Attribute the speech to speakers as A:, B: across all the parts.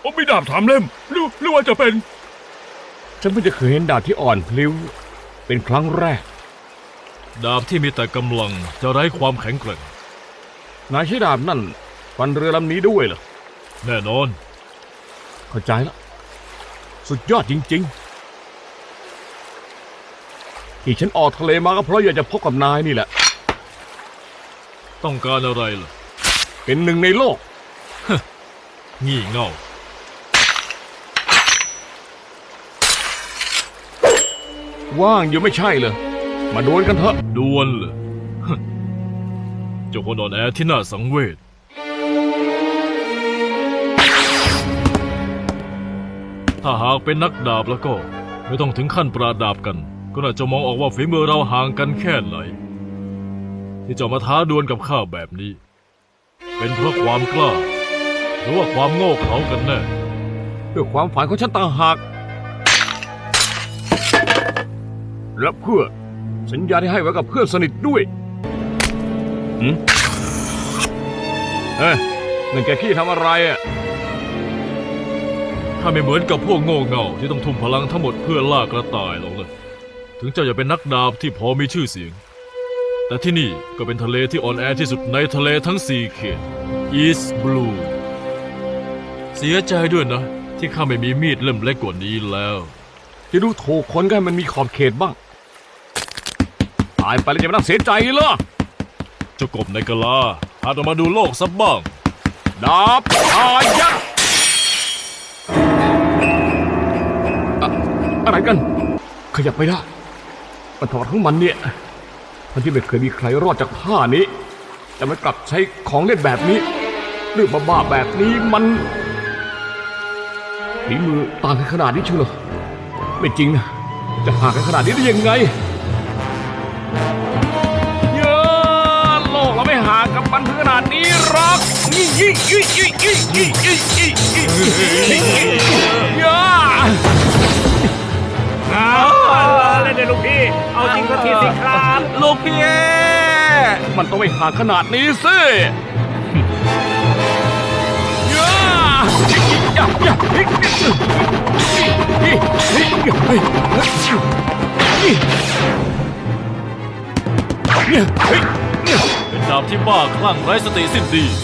A: มีดาบ3 เล่มหรือว่าจะเป็น
B: ฉันเพิ่งจะเคยเห็นดาบที่อ่อนพลิ้วเป็นครั้งแรก
C: ดาบที่มีแต่กำลังจะไร้ความแข็งแกร่ง
B: นายใช้ดาบนั่นฟันเรือลำนี้ด้วยเหรอ
C: แน่นอน
B: เข้าใจแล้วสุดยอดจริงๆที่ฉันออกทะเลมาก็เพราะอยากจะพบกับนายนี่แหละ
C: ต้องการอะไรล่ะ
B: เป็นหนึ่งในโลก
C: งี่เง่า
B: ว่างอยู่ไม่ใช่เหรอมาดวลกันเถอะ
C: ดวลเหรอเจ้าคนอ่อนแอที่น่าสังเวชถ้าหากเป็นนักดาบแล้วก็ไม่ต้องถึงขั้นปราดาบกันก็น่าจะมองออกว่าฝีมือเราห่างกันแค่ไหนที่จะมาท้าดวลกับข้าแบบนี้เป็นเพราะความกล้าหรือว่าความโง่เขลากันแน่
B: เพื่อความฝันของฉันต่างหากและเพื่อสัญญาที่ให้ไว้กับเพื่อนสนิทด้วยนั่นแกขี้ทำอะไรอ่ะ
C: ถ้าไม่เหมือนกับพวกโง่เง่าที่ต้องทุ่มพลังทั้งหมดเพื่อล่ากระต่ายหรอกเลยถึงเจ้าจะเป็นนักดาบที่พอมีชื่อเสียงแต่ที่นี่ก็เป็นทะเลที่อ่อนแอที่สุดในทะเลทั้ง4 เขต East Blue เสียใจด้วยนะที่ข้าไม่มีมีดเล่มเล็กกว่านี้แล้ว
B: จะดูถูกคนก็ให้มันมีขอบเขตบ้างตายไปแล้วจะไม่ต้องเสียใจเหรอ
C: เจ้ากบในกะลาหาออกมาดูโลกสักบ้าง
B: ดาบอายักอะไรกันขยับไม่ได้มันถอดทั้งมันเนี่ยทั้งที่ไม่เคยมีใครรอดจากผ้านี้แต่มันกลับใช้ของเล่นแบบนี้เรื่องบ้าๆแบบนี้มันฝีมือต่างกันขนาดนี้เชียวเหรอไม่จริงนะจะห่างกันขนาดนี้ได้ยังไงเยอะโลกเราไม่ห่างกับมันถึงขนาดนี้หรอกเยอะ
A: เล่นเลยลูกพี่เอาจริงก็ทีสิครับ
B: ลูกพี่มันต้องไม่ห่างขนาดนี้สิ
C: เป็นดาบที่บ้าคลั่งไร้สติสิ้นดี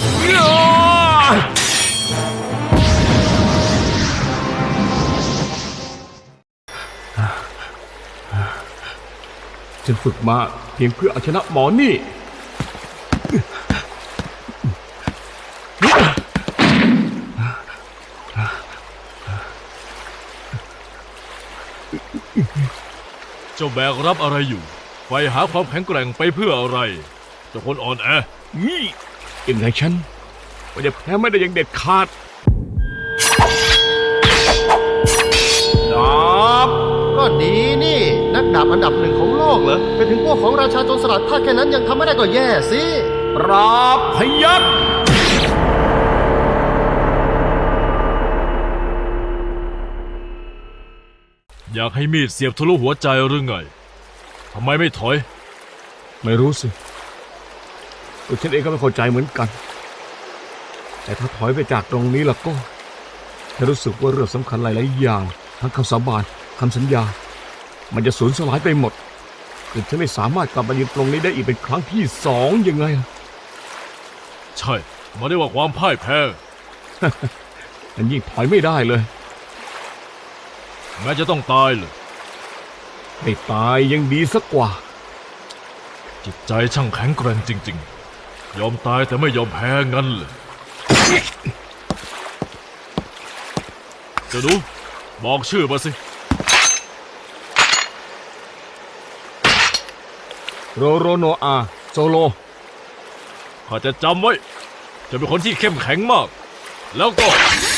B: ฉันฝึกมาเพียงเพื่อเอาชนะหมอนี่
C: เจ้าแบกรับอะไรอยู่ไฟหาความแข็งแกร่งไปเพื่ออะไรเจ้าคนอ่อนแอ
B: ยังไงฉันว่าจะแพ้ไม่ได้อย่างเด็ดขาดดาบ
D: ก็ดีนี่นักดาบอันดับ1ของโลกเหรอเป็นถึงพวกของราชาโจรสลัดถ้าแค่นั้นยังทำไม่ได้ก็แย่สิ
B: ปราบพยัคฆ์
C: อยากให้มีดเสียบทะลุหัวใจหรือไงทำไมไม่ถอย
B: ไม่รู้สิตัวฉันเองก็ไม่เข้าใจเหมือนกันแต่ถ้าถอยไปจากตรงนี้ล่ะก็ฉันรู้สึกว่าเรื่องสำคัญหลายๆอย่างทั้งคำสาบานคำสัญญามันจะสูญสลายไปหมดคือฉันไม่สามารถกลับมายืนตรงนี้ได้อีกเป็นครั้งที่2ยังไง
C: ใช่มาได้ว่าความพ่ายแพ้
B: มันยิ่งถอยไม่ได้เลย
C: แม้จะต้องตายเลย
B: ไม่ตายยังดีสักกว่า
C: จิตใจช่างแข็งแกร่งจริงๆยอมตายแต่ไม่ยอมแพ้งั้นเลยจะดูบอกชื่อมาสิ
B: โรโรโนอาโซโล
C: ข้าจะจำไว้จะเป็นคนที่เข้มแข็งมากแล้วก็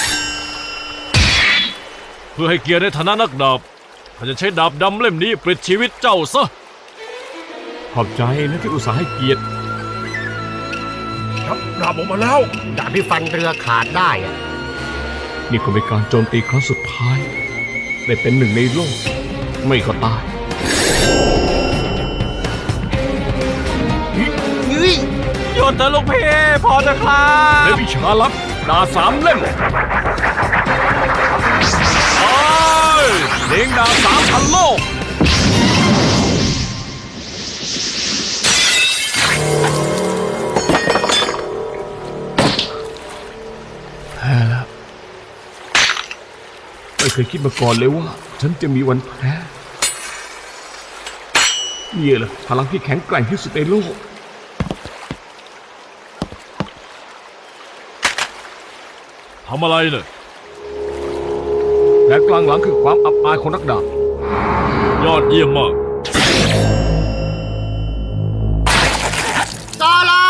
C: เพื่อให้เกียรติในฐานะนักดาบข้าจะใช้ดาบดำเล่มนี้ปลิดชีวิตเจ้าซะ
B: ขอบใจนะที่อุตส่าห์ให้เกียรติ
A: ครับดาบออกมาแล้ว
D: ดาบที่ฟันเรือขาดได้
B: นี่ก็เป็นการโจมตีครั้งสุดท้ายได้เป็น1ในโลกไม่ก็ตาย
C: หยุดเถอะลูกพี่พอจะครับ
B: และวิชาลับดาบ3 เล่มเลี้ยงดาบ3,000 โลกแพ้แล้วไม่เคยคิดมาก่อนเลยว่าฉันจะมีวันแพ้นี่แหละพลังที่แข็งแกร่งที่สุดในโลก
C: ทำอะไรเนี่ย
B: และกลางหลังคือความอับอายของนักดาบ
C: ยอดเยี่ยมมาก
D: ซาลา